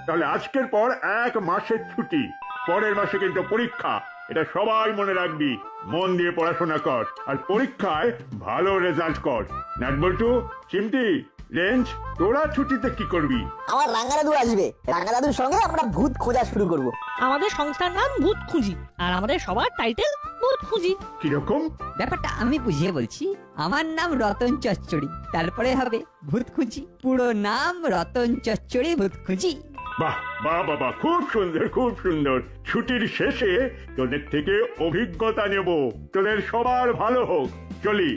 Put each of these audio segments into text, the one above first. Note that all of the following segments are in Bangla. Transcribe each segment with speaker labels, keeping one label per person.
Speaker 1: তাহলে আজকের পর 1 মাসের ছুটি, পরের মাসে কিন্তু পরীক্ষা, এটা সবাই মনে রাখবি। মন দিয়ে পড়াশোনা কর আর পরীক্ষায় ভালো রেজাল্ট কর। নাটবল্টু, চিমটি, রেঞ্জ, তোরা ছুটিতে কি করবি?
Speaker 2: আমার রাঙা দাদু আসবে, রাঙা দাদুর সঙ্গে আমরা ভূত খোঁজা শুরু করব।
Speaker 3: আমাদের সংস্থার নাম ভূত খুঁজি, আর আমাদের সবার টাইটেল ভূত খুঁজি।
Speaker 1: কিরকম?
Speaker 4: ব্যাপারটা আমি বুঝিয়ে বলছি। আমার নাম রতন চচ্চড়ি, তারপরে হবে ভূত খুঁজি। পুরো নাম রতন চচ্চড়ি ভূত খুঁজি।
Speaker 1: বাহ বাহ বাবা, খুব সুন্দর খুব সুন্দর। ছুটির শেষে তোদের থেকে অভিজ্ঞতা নেব, তোদের সবার ভালো হোক। চলি।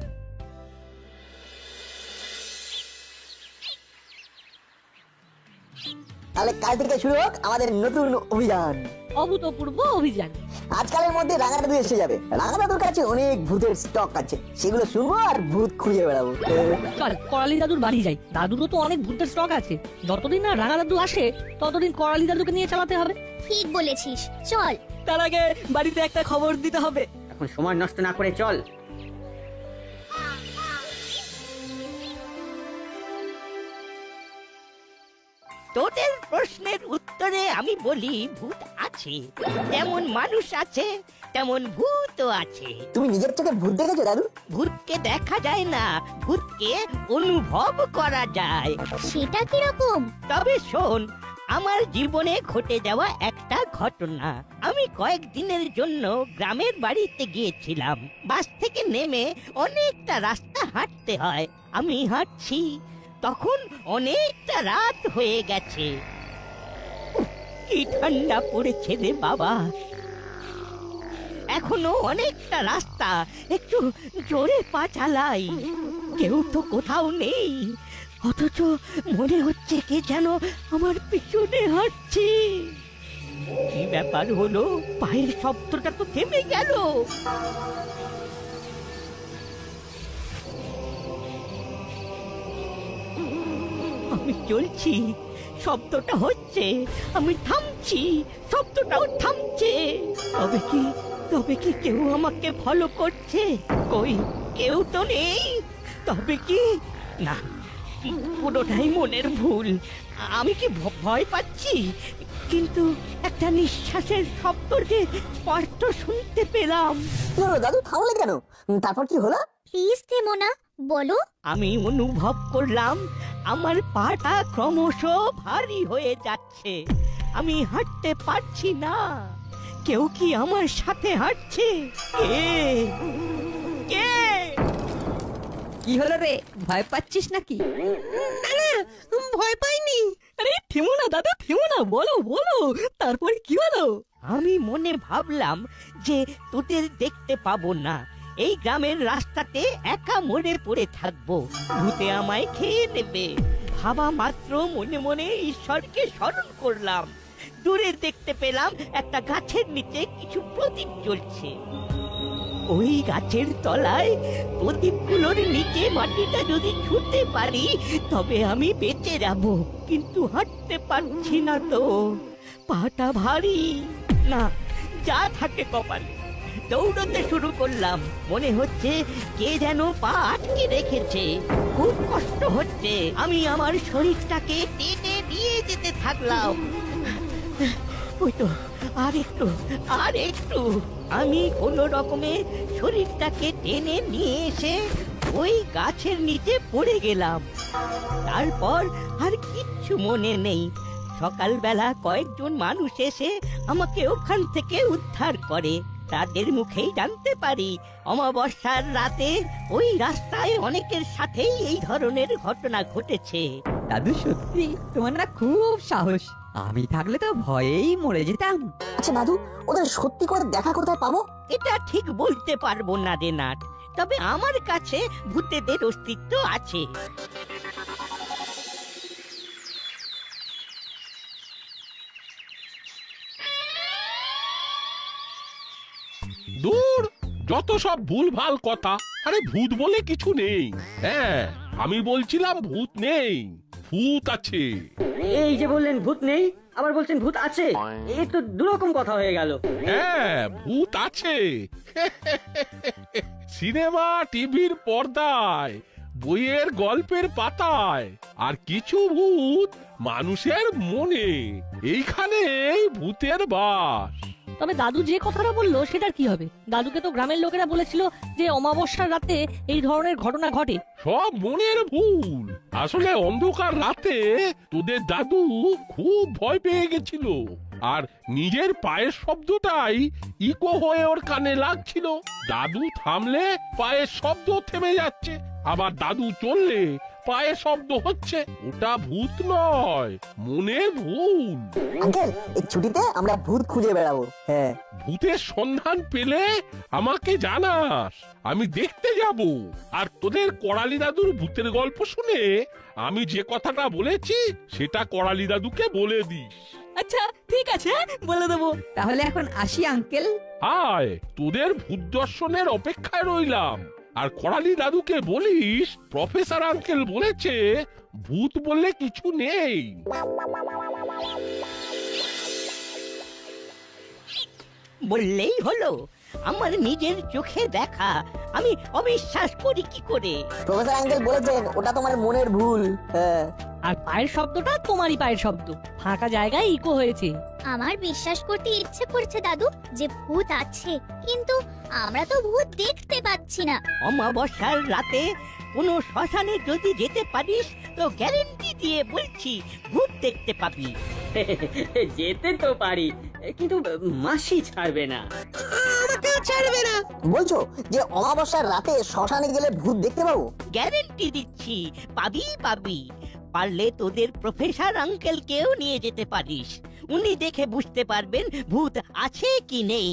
Speaker 2: তাহলে কাল থেকে শুরু হোক আমাদের নতুন অভিযান।
Speaker 3: অভূতপূর্ব অভিযান।
Speaker 2: আজকালের মধ্যে রাঙা দাদু এসে যাবে। রাঙা দাদুর কাছে অনেক ভূতের স্টক আছে, সেগুলো শুনবো আর ভূত খুঁজে বেড়াবো।
Speaker 3: চল করালি দাদুর বাড়ি যাই, দাদুরও তো অনেক ভূতের স্টক আছে। যতদিন না রাঙা দাদু আসে ততদিন করালি দাদুকে নিয়ে চালাতে হবে।
Speaker 5: ঠিক বলেছিস, চল।
Speaker 6: তার আগে বাড়িতে একটা খবর দিতে হবে।
Speaker 7: এখন সময় নষ্ট না করে চল।
Speaker 8: তোদের প্রশ্নের উত্তরে আমি বলি ভূত আছে, যেমন মানুষ আছে তেমন ভূতও আছে।
Speaker 2: তুমি নিজের চোখে ভূত দেখেছো দাদু?
Speaker 8: ভূতকে দেখা যায় না, ভূতকে অনুভব করা যায়।
Speaker 5: সেটা কিরকম?
Speaker 8: তবে শোন, আমার জীবনে ঘটে যাওয়া একটা ঘটনা। আমি কয়েকদিনের জন্য গ্রামের বাড়িতে গিয়েছিলাম। বাস থেকে নেমে অনেকটা রাস্তা হাঁটতে হয়। আমি হাঁটছি, তখন অনেকটা রাত হয়ে গেছে। উফ, কি ঠান্ডা পড়েছে রে বাবা। এখনো অনেকটা রাস্তা, একটু জোরে পা চালাই। কেউ তো কোথাও নেই, অথচ মনে হচ্ছে কে যেন আমার পিছনে হাঁটছে। কি ব্যাপার হলো, পায়ের শব্দটা তো থেমে গেল। আমি চলছি, শব্দটা হচ্ছে, আমি থামছি, শব্দটাও থামছে। তবে কি কেউ আমাকে ফলো করছে? কই, কেউ তো নেই। তবে কি না, পুরোটাই মনের ভুল। আমি কি ভয় পাচ্ছি? কিন্তু একটা নিঃশ্বাসের শব্দ যে স্পষ্ট শুনতে পেলাম।
Speaker 2: কি হলো দাদু, থামলে কেন? তারপর কি হলো?
Speaker 5: প্লিজ থেমো না, বলো।
Speaker 8: আমি অনুভব করলাম আমার পাটা ক্রমশ ভারী হয়ে যাচ্ছে। আমি হাঁটতে পারছি না। কেউ কি আমার সাথে হাঁটছে? কে কে?
Speaker 4: কি হলো রে, ভয় পাচ্ছিস নাকি?
Speaker 3: ভয় পাইনি।
Speaker 6: আরে থেমো না দাদু, থেমো না, বলো বলো, তারপর কি হলো?
Speaker 8: আমি মনে ভাবলাম যে তোদের দেখতে পাবো না, এই গ্রামের রাস্তাতে একা মরে পড়ে থাকবো, ভূতে আমায় খেয়ে নেবে। ভাবা মাত্র মনে মনে ঈশ্বরকে স্মরণ করলাম। দূরে দেখতে পেলাম একটা গাছের নিচে কিছু প্রদীপ জ্বলছে। ওই গাছের তলায় প্রদীপগুলোর নিচে মাটিটা যদি ছুঁতে পারি তবে আমি বেঁচে যাব, কিন্তু হাঁটতে পারছি না তো, পাটা ভারী। না, যা থাকে কপালে। দৌড়তে শুরু করলাম, মনে হচ্ছে কে যেন পা আটকে রেখেছে। খুব কষ্ট হচ্ছে। আমি আমার শরীরটাকে টেনে নিয়ে যেতে থাকলাম। ওই তো, আর একটু। আমি কোনো রকমে শরীরটাকে টেনে নিয়ে এসে ওই গাছের নিচে পড়ে গেলাম। তারপর আর কিচ্ছু মনে নেই। সকালবেলা কয়েকজন মানুষ এসে আমাকে ওখান থেকে উদ্ধার করে। তাদের মুখেই জানতে পারি অমাবস্যার রাতে ওই রাস্তায় অনেকের সাথেই এই ধরনের ঘটনা ঘটেছে।
Speaker 4: দাদু সত্যি তোমার না খুব সাহস। আমি থাকলে তো ভয়েই মরে যেতাম।
Speaker 2: আচ্ছা দাদু, ওদের সত্যি করে দেখা কোথায় পাবো?
Speaker 8: এটা ঠিক বলতে পারবো না রে নাট, তবে আমার কাছে ভূতেদের অস্তিত্ব আছে।
Speaker 9: দূর, যত সব ভুলভাল কথা। আরে ভূত বলে কিছু নেই। হ্যাঁ, আমি বলছিলাম ভূত নেই, ভূত আছে।
Speaker 7: এই যে বললেন ভূত নেই, আবার বলছেন ভূত আছে, এই তো দুরকম কথা হয়ে গেল।
Speaker 9: হ্যাঁ, ভূত আছে। সিনেমা টিভির পর্দায় বইয়ের গল্পের পাতায়, আর কিছু ভূত মানুষের মনে। এইখানেই ভূতের বাস।
Speaker 3: তবে দাদু যে কথাটা বললো সেটার কি হবে? দাদুকে তো গ্রামের লোকেরা বলেছিল যে অমাবস্যার রাতে এই ধরনের ঘটনা ঘটে।
Speaker 9: সব মনের ভুল। আসলে অন্ধকার রাতে তোদের দাদু খুব ভয় পেয়ে গেছিল, আর নিজের পায়ের শব্দটাই ইকো হয়ে ওর কানে লাগছিল। দাদু থামলে পায়ের শব্দ থেমে যাচ্ছে, আবার দাদু চললে পায়ের শব্দ হচ্ছে। ওটা ভূত নয়, মনের ভুল।
Speaker 2: আঙ্কেল এই ছুটিতে আমরা ভূত খুঁজে বেড়াবো। হ্যাঁ,
Speaker 9: ভূতের সন্ধান পেলে আমাকে জানাস, আমি দেখতে যাব। আর তোদের করালি দাদুর ভূতের গল্প শুনে আমি যে কথাটা বলেছি সেটা করালি দাদুকে বলে দিস।
Speaker 6: আচ্ছা ঠিক আছে, বলে দেবো।
Speaker 4: তাহলে এখন আসি আঙ্কেল।
Speaker 9: আয়, তোদের ভূত দর্শনের অপেক্ষায় রইলাম। আর করালি দাদুকে বলিস প্রফেসর আঙ্কেল বলেছে ভূত বললে কিছু নেই।
Speaker 8: বললেই হলো, আমার নিজের চোখে দেখা আমি অবিশ্বাস করি কি করে?
Speaker 2: প্রফেসর আঙ্কেল বলেছেন ওটা তোমার মনের ভুল। হ্যাঁ,
Speaker 3: আর পায়ের শব্দটা তোমারই পায়ের শব্দ, ফাঁকা জায়গায় ইকো হয়েছে।
Speaker 5: আমার বিশ্বাস করতে ইচ্ছে করছে দাদু যে ভূত আছে, কিন্তু আমরা তো ভূত দেখতে পাচ্ছি না।
Speaker 8: অমাবস্যার রাতে কোনো শ্মশানে যদি যেতে পারিস তো গ্যারেন্টি দিয়ে বলছি ভূত দেখতে পাবি।
Speaker 7: যেতে তো পারি, কিন্তু মাসি ছাড়বে না।
Speaker 2: বলছো যে অমাবস্যার রাতে শ্মশানে গেলে ভূত দেখতে পাবো?
Speaker 8: গ্যারেন্টি দিচ্ছি, পাবি পাবি। পারলে তোদের প্রফেসর আঙ্কেলকেও নিয়ে যেতে পারিস, উনি দেখে বুঝতে পারবেন ভূত আছে কি নেই।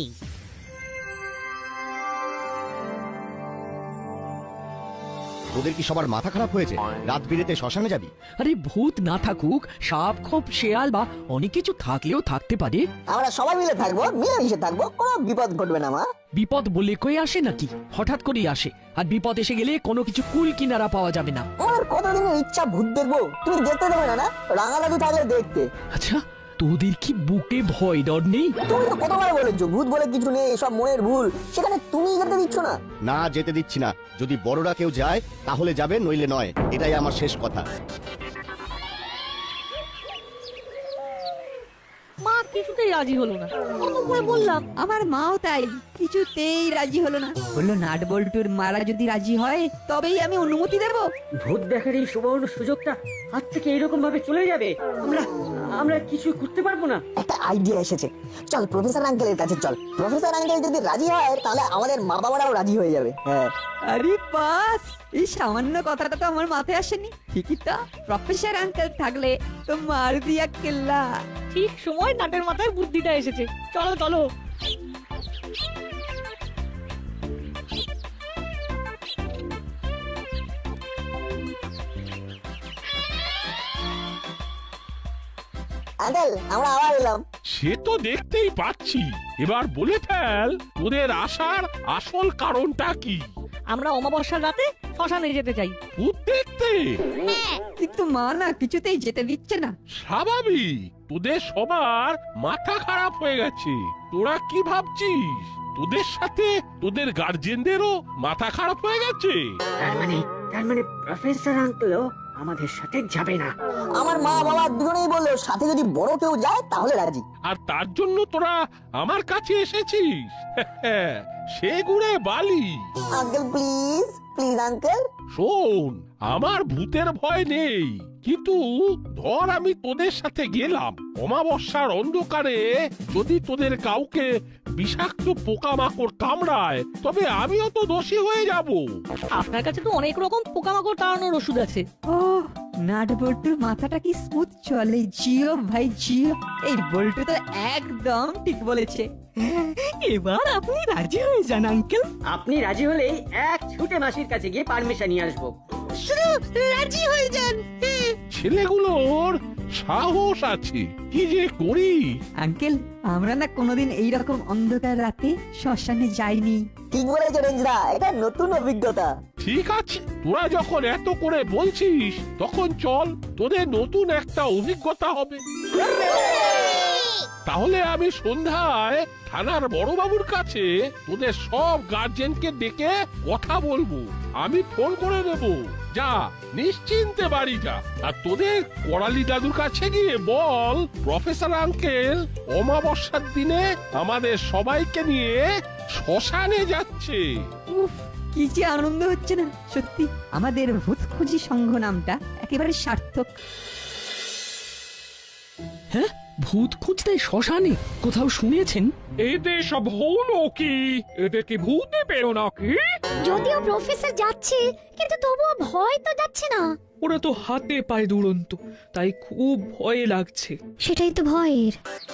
Speaker 10: তোদের কি সবার মাথা খারাপ হয়েছে? রাত বিরেতে শ্মশানে যাবি?
Speaker 6: আরে ভূত না থাকুক, সাপ খোপ শেয়াল বা অনেক কিছু থাকলেও থাকতে পারে।
Speaker 2: আমরা সবাই মিলে থাকবো, মিলেমিশে থাকবো, কোনো বিপদ ঘটবে না। মা,
Speaker 6: বিপদ বলে কই আসে নাকি? হঠাৎ করেই আসে, আর বিপদ এসে গেলে কোনো কিছু কুল কিনারা পাওয়া যাবে না।
Speaker 2: আমার কতদিনের ইচ্ছা ভূত দেখবো, তুমি দেখতে দেবে না? না, রাঙা দাদু থাকলে দেখতে।
Speaker 6: আচ্ছা, তোদের কি বুকে ভয় ডর নেই?
Speaker 2: তুমি তো কতবার বলেছো ভূত বলে কিছু নেই, সব মনের ভুল। সেখানে তুমি যেতে দিচ্ছ না।
Speaker 10: না, যেতে দিচ্ছি না। যদি বড়রা কেউ যায় তাহলে যাবে, নইলে নয়। এটাই আমার শেষ কথা।
Speaker 3: মা কিছুতেই রাজি হলো না, কত করে বললাম।
Speaker 4: আমার মাও তাই, কিছুতেই রাজি হলো না। বললো নাট বল্টুর মারা যদি রাজি হয় তবেই আমি অনুমতি দেব।
Speaker 7: ভূত দেখার এই সুবর্ণ সুযোগটা হাত থেকে এরকম ভাবে চলে যাবে, আমরা কিছু করতে পারবো না।
Speaker 2: একটা আইডিয়া এসেছে, চল প্রফেসর আঙ্কেলের কাছে চল। প্রফেসর আঙ্কেল যদি রাজি হয় তাহলে আমাদের মা বাবারাও রাজি হয়ে যাবে। হ্যাঁ,
Speaker 4: আরে বাস, এই সামান্য কথাটা তো আমার মাথায় আসেনি। ঠিকই তো, প্রফেসর আঙ্কেল থাকলে তো মার দিয়া কেল্লা।
Speaker 3: ঠিক সময় নাটের মাথায় বুদ্ধিটা এসেছে। চলো চলো।
Speaker 2: আঙ্কেল আমরা আবার এলাম।
Speaker 9: সে তো দেখতেই পাচ্ছি। এবার বলে ফেল তোদের আসার আসল কারণটা কি?
Speaker 3: আমরা অমাবস্যার রাতে শ্মশানে যেতে চাই।
Speaker 9: ভূত দেখতে?
Speaker 4: কিন্তু মা না কিছুতেই যেতে দিচ্ছে না।
Speaker 9: স্বাভাবিক, তোদের সবার মাথা খারাপ হয়ে গেছে। তোরা কি ভাবছিস তোদের সাথে তোদের গার্জেনদেরও মাথা খারাপ হয়ে গেছে?
Speaker 7: তার মানে প্রফেসর আঙ্কেলও আমাদের সাথে যাবে না।
Speaker 2: আমার মা বাবা দুজনেই বললো সাথে যদি বড় কেউ যায় তাহলে রাজি।
Speaker 9: আর তার জন্য তোরা আমার কাছে এসেছিস? সে গুড়ে বালি।
Speaker 2: Uncle please please uncle.
Speaker 9: শোন, আমার ভূতের ভয় নেই, কিন্তু ধর আমি তোদের সাথে গেলাম, অমাবস্যার অন্ধকারে যদি তোদের কাউকে বিষাক্ত পোকামাকড় কামড়ায় তবে আমিও তো দোষী হয়ে যাব।
Speaker 3: আপনার কাছে তো অনেক রকম পোকামাকড় তাড়ানোর ওষুধ আছে।
Speaker 4: ও, নাট বল্টুর মাথাটা কি স্মুথ চলে। জিও ভাই জিও, এই বল্টু তো একদম ঠিক বলেছে।
Speaker 6: এবার আপনি রাজি হয়ে যান আঙ্কেল।
Speaker 7: আপনি রাজি হলেই এক ছুটে মাসির কাছে গিয়ে পারমিশন নিয়ে আসবো।
Speaker 6: রাজি হয়ে যান।
Speaker 9: ছেলেগুলোর সাহস আছে, কি যে করি।
Speaker 4: আঙ্কেল, আমরা না কোনোদিন এইরকম অন্ধকার রাতে শ্মশানে যাইনি।
Speaker 2: ঠিক বলেছো রেঞ্জরা, এটা নতুন অভিজ্ঞতা।
Speaker 9: ঠিক আছে, তোরা যখন এত করে বলছিস তখন চল, তোদের নতুন একটা অভিজ্ঞতা হবে। তাহলে আমি সন্ধ্যায় থানার বড়বাবুর কাছে তোদের সব গার্জেনকে ডেকে কথা বলবো। আমি ফোন করে দেব। যা নিশ্চিন্তে বাড়ি যা। আর তোদের করালি দাদুর কাছে গিয়ে বল প্রফেসর আঙ্কেল অমাবস্যার দিনে আমাদের সবাইকে নিয়ে শ্মশানে যাচ্ছে।
Speaker 4: উফ, কি যে আনন্দ হচ্ছে না সত্যি। আমাদের ভূত খুঁজি সংঘ নামটা একেবারে সার্থক।
Speaker 6: হ্যাঁ, ভূত খুঁজতে শ্মশানে কোথাও শুনেছেন?
Speaker 11: এদের সব হলো কি? এদের কি ভূতে পেরো নাকি?
Speaker 5: যদিও প্রফেসর যাচ্ছে কিন্তু তবুও ভয় তো যাচ্ছে না।
Speaker 11: ওরা তো হাতে পায়ে দুরন্ত, তাই খুব ভয় লাগছে।
Speaker 5: সেটাই তো ভয়ের।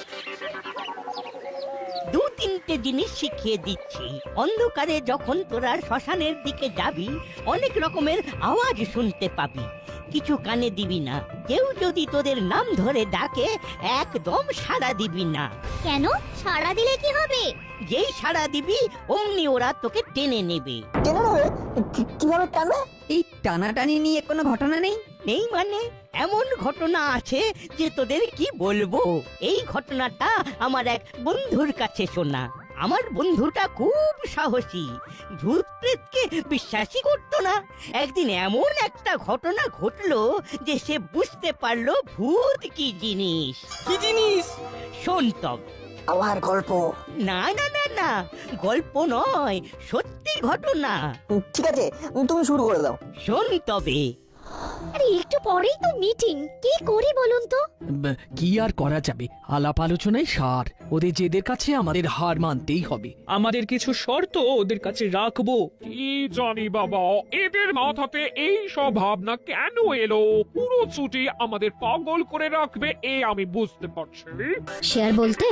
Speaker 8: দু তিনটে জিনিস শিখিয়ে দিচ্ছি। অন্ধকারে যখন তোরা শ্মশানের দিকে যাবি অনেক রকমের আওয়াজ শুনতে পাবি, কিছু কানে দিবি না। কেউ যদি তোদের নাম ধরে ডাকে একদম সাড়া দিবি না।
Speaker 5: কেন? সাড়া দিলে কি হবে?
Speaker 8: যেই সাড়া দিবি অমনি ওরা তোকে টেনে নেবে।
Speaker 2: টেনে নেবে? কিভাবে টানবে?
Speaker 4: এই টানাটানি নিয়ে কোনো ঘটনা নেই?
Speaker 8: নেই মানে এমন ঘটনা আছে যে তোদের কি বলবো। এই ঘটনাটা আমার এক বন্ধুর কাছে শোনা। আমার বন্ধুটা খুব সাহসী, ভূত প্রেতকে বিশ্বাসই করতো না। একদিন এমন একটা ঘটনা ঘটলো যে সে বুঝতে পারলো ভূত কি জিনিস।
Speaker 11: কি জিনিস?
Speaker 8: শোন তবে।
Speaker 2: আমার গল্প?
Speaker 8: না না না না, গল্প নয়, সত্যি ঘটনা।
Speaker 2: ঠিক আছে, তুমি শুরু করে দাও।
Speaker 8: শোন তবে।
Speaker 5: আরে একটু পরেই তো মিটিং, কি করি বলুন তো?
Speaker 6: কি আর করা যাবে, আলাপ আলোচনায় সার। ওদের জেদের কাছে আমাদের হার মানতেই হবে।
Speaker 11: আমাদের কিছু শর্ত ওদের কাছে রাখবো। কি জানি বাবা, এদের মাথাতে এই সব ভাবনা কেন এলো? পুরো ছুটি আমাদের পাগল করে রাখবে এ আমি বুঝতে পারছি।
Speaker 5: শেয়ার বলতে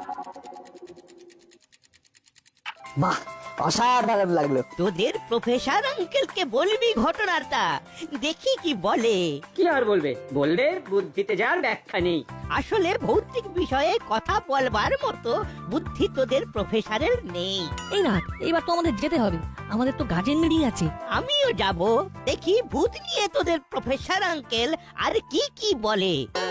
Speaker 2: বাহ, অসাধারণ লাগলো।
Speaker 8: তোদের প্রফেসর আঙ্কেলকে বলবি ঘটনাটা, দেখি কি বলে।
Speaker 7: কি আর বলবে? বললে বুদ্ধিতে যার ব্যাখ্যা নেই।
Speaker 8: আসলে ভৌতিক বিষয়ে কথা বলবার মতো বুদ্ধি তোদের প্রফেসরের নেই।
Speaker 3: এই না, এবার তো আমাদের যেতে হবে, আমাদের তো গার্জেন মিটিং আছে।
Speaker 8: আমিও যাব, দেখি ভূত নিয়ে তোদের প্রফেসর আঙ্কেল আর কি কি বলে।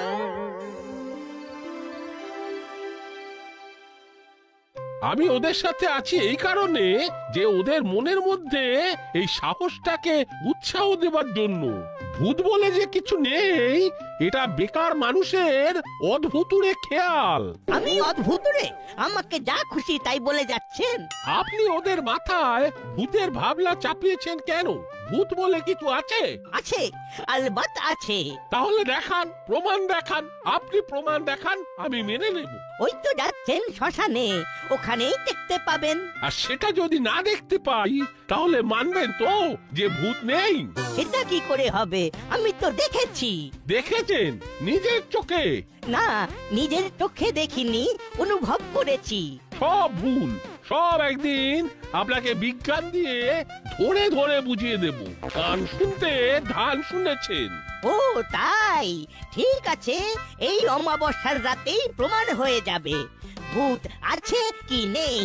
Speaker 9: আমি ওদের সাথে আছি এই কারণে যে ওদের মনের মধ্যে এই সাহসটাকে উৎসাহ দেবার জন্য। ভূত বলে যে কিছু নেই এটা বেকার মানুষের অদ্ভুতুরে খেয়াল।
Speaker 8: আমি অদ্ভুত রে? আমাকে যা খুশি তাই বলে যাচ্ছেন।
Speaker 9: আপনি ওদের মাথায় ভূতের ভাবনা চাপিয়েছেন কেন? ভূত বলে কিছু আছে?
Speaker 8: আছে, আলবাত আছে।
Speaker 9: তাহলে দেখান, প্রমাণ দেখান। আপনি প্রমাণ দেখান, আমি মেনে নেব।
Speaker 8: ওই তো যাচ্ছেন শ্মশানে, ওখানেই দেখতে পাবেন।
Speaker 9: আর সেটা যদি না দেখতে পাই তাহলে মানবেন তো যে ভূত নেই?
Speaker 8: সেটা কি করে হবে? আমি তো দেখেছি।
Speaker 9: দেখেছেন নিজের চোখে?
Speaker 8: না, নিজের চোখে দেখিনি, অনুভব করেছি।
Speaker 9: সব ভুল, সব একদিন আপনাকে বিজ্ঞান দিয়ে ধরে ধরে বুঝিয়ে দেব। কান শুনতে ধান শুনেছেন।
Speaker 8: ও তাই, ঠিক আছে, এই অমাবস্যার রাতেই প্রমাণ হয়ে যাবে ভূত আছে কি নেই।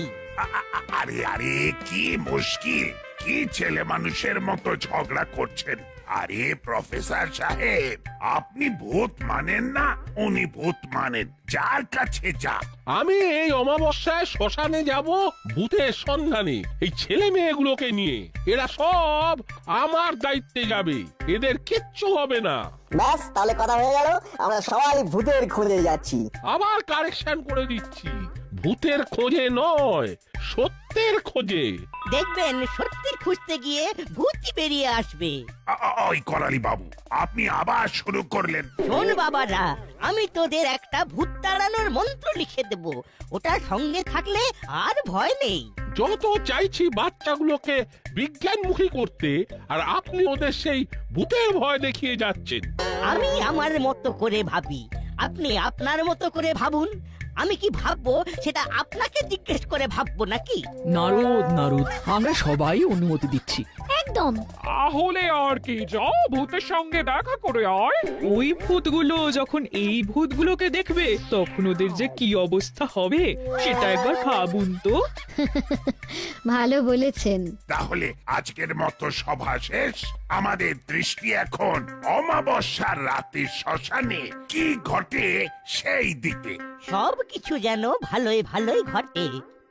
Speaker 12: আরে আরে, কি মুশকিল! কি ছেলে মানুষের মতো ঝগড়া করছেন? আরে প্রফেসর সাহেব, আপনি ভূত মানেন না, উনি ভূত মানেন। যার কাছে যা।
Speaker 9: আমি এই অমাবস্যায় শ্মশানে যাব ভূতের সন্ধানে, এই ছেলে মেয়েগুলোকে নিয়ে। এরা সব আমার দায়িত্বে যাবে, এদের কিচ্ছু হবে না।
Speaker 2: ব্যাস, তাহলে কথা হয়ে গেল, আমরা সবাই ভূতের খোঁজে যাচ্ছি।
Speaker 9: আবার কারেকশন করে দিচ্ছি, ভূতের খোঁজে নয়, সত্যের খোঁজে।
Speaker 8: দেখবেন সত্যি খুঁজতে গিয়ে ভূতই বেরিয়ে আসবে।
Speaker 12: ওই করালি বাবু, আপনি আবার শুরু করলেন।
Speaker 8: শোন বাবারা, আমি তোদের একটা ভূত তাড়ানোর মন্ত্র লিখে দেব, ওটা সঙ্গে থাকলে আর ভয় নেই।
Speaker 9: যত চাইছি বাচ্চাগুলোকে বিজ্ঞানমুখী করতে, আর আপনি ওদের সেই ভূতের ভয় দেখিয়ে যাচ্ছেন।
Speaker 8: আমি আমার মতো করে ভাবি, আপনি আপনার মতো করে ভাবুন। আমি কি ভাববো সেটা আপনাকে জিজ্ঞেস করে ভাববো নাকি?
Speaker 6: নারদ নারদ, আমরা সবাই অনুমতি দিচ্ছি।
Speaker 5: একদম একদম।
Speaker 11: তাহলে আর কি, যাও ভূতের সঙ্গে দেখা করে আয়।
Speaker 13: ওই ভূতগুলো যখন এই ভূতগুলোকে দেখবে তখন ওদের যে কি অবস্থা হবে সেটা একবার ভাবুন তো।
Speaker 5: ভালো বলেছেন।
Speaker 12: তাহলে আজকের মতো সভা শেষ। আমাদের দৃষ্টি এখন অমাবস্যার রাতে শ্মশানে কি ঘটে সেই দিকে।
Speaker 8: সব কিছু যেন ভালোই ভালোই ঘটে।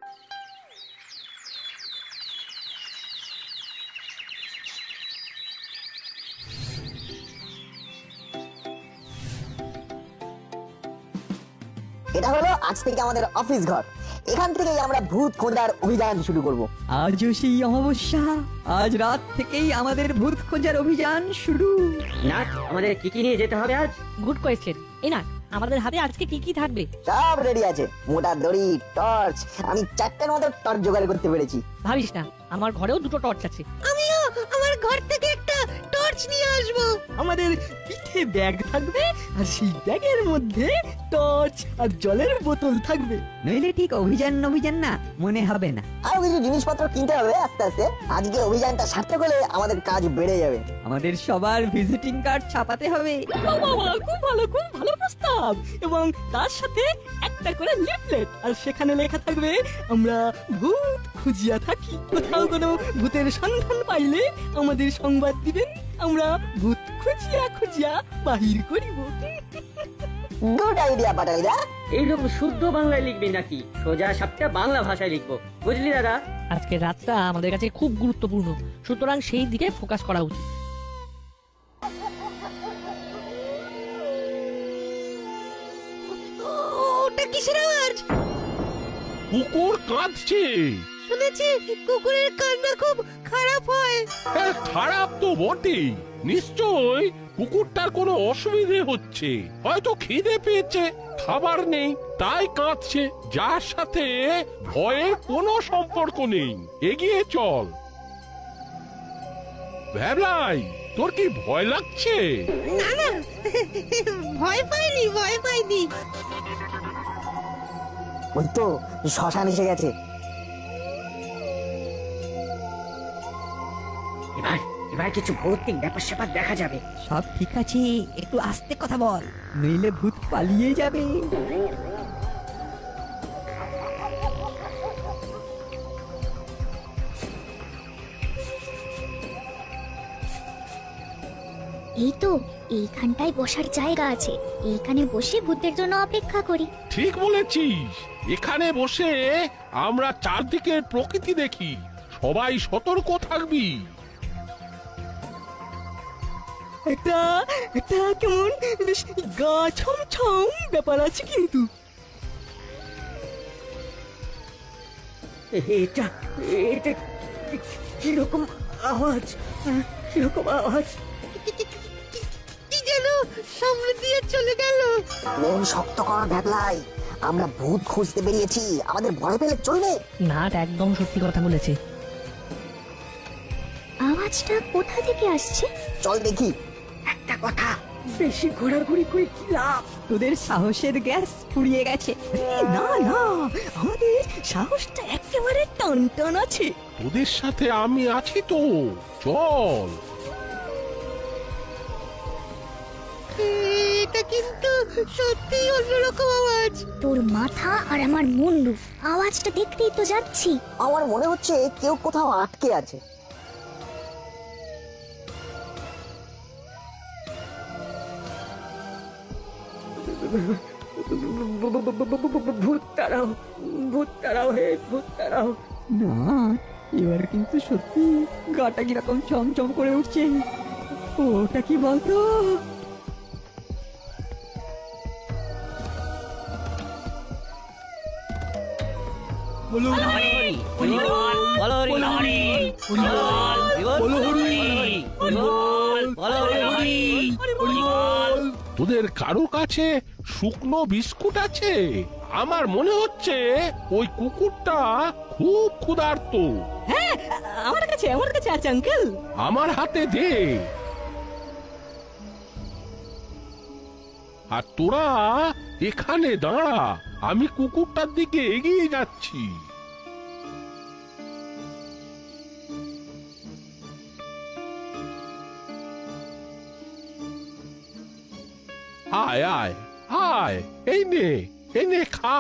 Speaker 2: এটা হলো আজ থেকে আমাদের অফিস ঘর। এখান থেকেই আমরা ভূত খোঁজার অভিযান শুরু করব।
Speaker 4: আজও সেই অমাবস্যা, আজ রাত থেকেই আমাদের ভূত খোঁজার অভিযান শুরু।
Speaker 7: না, আমাদের কি কি নিয়ে যেতে হবে আজ?
Speaker 3: Good question. এই না, আমাদের হাতে আজকে কি কি থাকবে?
Speaker 2: সব রেডি আছে, মোটা দড়ি, টর্চ। আমি 4টের মতো টর্চ জোগাড় করতে পেরেছি।
Speaker 3: ভাবিস না, আমার ঘরেও 2টো টর্চ আছে।
Speaker 8: আমিও আমার ঘর থেকে একটা টর্চ নিয়ে আসবো।
Speaker 14: আমাদের পিঠে ব্যাগ থাকবে আর সেই ব্যাগের মধ্যে টর্চ আর জলের বোতল থাকবে।
Speaker 4: নইলে ঠিক অভিযান না মনে হবে না।
Speaker 2: আরো কিছু জিনিসপত্র কিনতে হবে আস্তে আস্তে। আজকে অভিযানটা সার্থক হলে আমাদের কাজ বেড়ে যাবে।
Speaker 4: আমাদের সবার ভিজিটিং কার্ড ছাপাতে হবে।
Speaker 14: খুব ভালো প্রস্তাব। এবং তার সাথে একটা করে লিফলেট, আর সেখানে লেখা থাকবে আমরা ভূত খুঁজিয়া থাকি। কোথাও কোনো ভূতের সন্ধান পাইলে আমাদের সংবাদ দিবেন, আমরা ভূত খুঁজিয়া বাহির করিব।
Speaker 2: গুড আইডিয়া পাটালিদা।
Speaker 7: এইরকম শুদ্ধ বাংলায় লিখবি নাকি সোজা সাপটা বাংলা ভাষায় লিখবো? বুঝলি দাদা?
Speaker 3: আজকে রাতটা আমাদের কাছে খুব গুরুত্বপূর্ণ, সুতরাং সেই দিকে ফোকাস করা উচিত।
Speaker 8: ওটা কিসের আওয়াজ?
Speaker 9: কুকুর কাঁদছে।
Speaker 8: শুনেছি কুকুরের কান্না খুব খারাপ হয়।
Speaker 9: হ্যাঁ, খারাপ তো বটেই। নিশ্চয় কুকুরটার কোনো অসুবিধে হচ্ছে, হয়তো খিদে পেয়েছে, খাবার নেই, তাই কাঁদছে। যার সাথে ভয়ের কোনো সম্পর্ক নেই। এগিয়ে চল। ভ্যাবলাই, তোর কি ভয় লাগছে?
Speaker 8: না না, ভয় পাইনি।
Speaker 2: ওই তো শ্মশান এসে গেছে।
Speaker 7: এবার কিছু ভৌতিক ব্যাপার স্যাপার দেখা যাবে।
Speaker 4: সব ঠিক আছে, একটু আস্তে কথা বল, নইলে ভূত পালিয়ে যাবে।
Speaker 5: এই তো, এইখানটায় বসার জায়গা আছে। এইখানে বসে ভূতের জন্য অপেক্ষা করি।
Speaker 9: ঠিক বলেছিস, এখানে বসে আমরা চারদিকের প্রকৃতি দেখি। সবাই সতর্ক থাকবি।
Speaker 14: একটা কেমন বেশ গা ছমছম ব্যাপার আছে কিন্তু। এটা কিরকম আওয়াজ?
Speaker 8: কি যেন সামনে দিয়ে চলে গেল।
Speaker 2: মন শক্ত কর ভ্যাবলাই, আমরা ভূত খুঁজতে বেরিয়েছি, আমাদের ভয় পেলে চলবে
Speaker 3: না। একদম সত্যি কথা বলেছে।
Speaker 5: আওয়াজটা কোথা থেকে আসছে?
Speaker 2: চল দেখি।
Speaker 7: একটা কথা, বেশি ঘোরাঘুরি করে কি লাভ?
Speaker 4: তোদের সাহসের গ্যাস ফুরিয়ে গেছে।
Speaker 14: না, আমাদের সাহসটা একেবারে টান আছে।
Speaker 9: তোদের সাথে আমি আছি তো, চল।
Speaker 8: এটা কিন্তু সত্যি অন্যরকম আওয়াজ।
Speaker 5: তোর মাথা আর আমার মুন্ডু, আওয়াজটা দেখতেই তো যাচ্ছি।
Speaker 2: আমার মনে হচ্ছে কেউ কোথাও আটকে আছে।
Speaker 7: ভূত তাড়াও হে ভূত তাড়াও।
Speaker 4: না, এবার কিন্তু সত্যি গাটা কিরকম চমচম করে উঠছে। ওটা কি বলতো?
Speaker 9: তোদের কারো কাছে শুকনো বিস্কুট আছে? আমার মনে হচ্ছে ওই কুকুরটা খুব ক্ষুধার্ত।
Speaker 14: হ্যাঁ, আমার কাছে আছে আঙ্কেল।
Speaker 9: আমার হাতে দে। আর তোরা এখানে দাঁড়া, আমি কুকুরটার দিকে এগিয়ে যাচ্ছি। আয় আয় আয়, এই নে খা।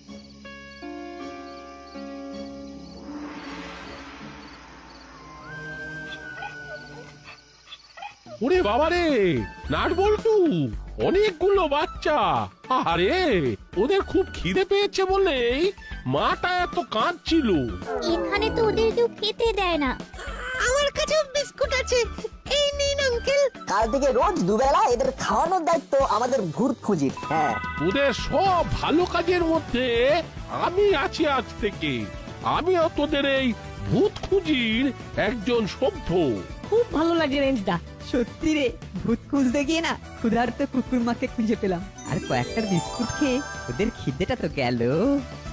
Speaker 9: ওরে বাবা রে, নাটবল্টু, অনেকগুলো বাচ্চা। আরে ওদের খুব খিদে পেয়েছে বলেই মাটা এত কাঁদছিল।
Speaker 5: এখানে তো ওদের কেউ খেতে দেয় না।
Speaker 8: আমার কাছেও বিস্কুট আছে, এই নিন আঙ্কেল।
Speaker 2: কাল থেকে রোজ দুবেলা এদের খাওয়ানোর দায়িত্ব আমাদের ভূত খুঁজির। হ্যাঁ,
Speaker 9: তোদের সব ভালো কাজের মধ্যে আমি আছি আজ থেকে। আমিও তোদের এই ভূত খুঁজির একজন সভ্য।
Speaker 3: খুব ভালো লাগে রেঞ্জদা।
Speaker 4: সত্যি রে, ভূত খুঁজতে গিয়ে না ক্ষুধার্ত কুকুর মাকে খুঁজে পেলাম, আর কয়েকটা বিস্কুট খেয়ে ওদের খিদেটা তো গেল।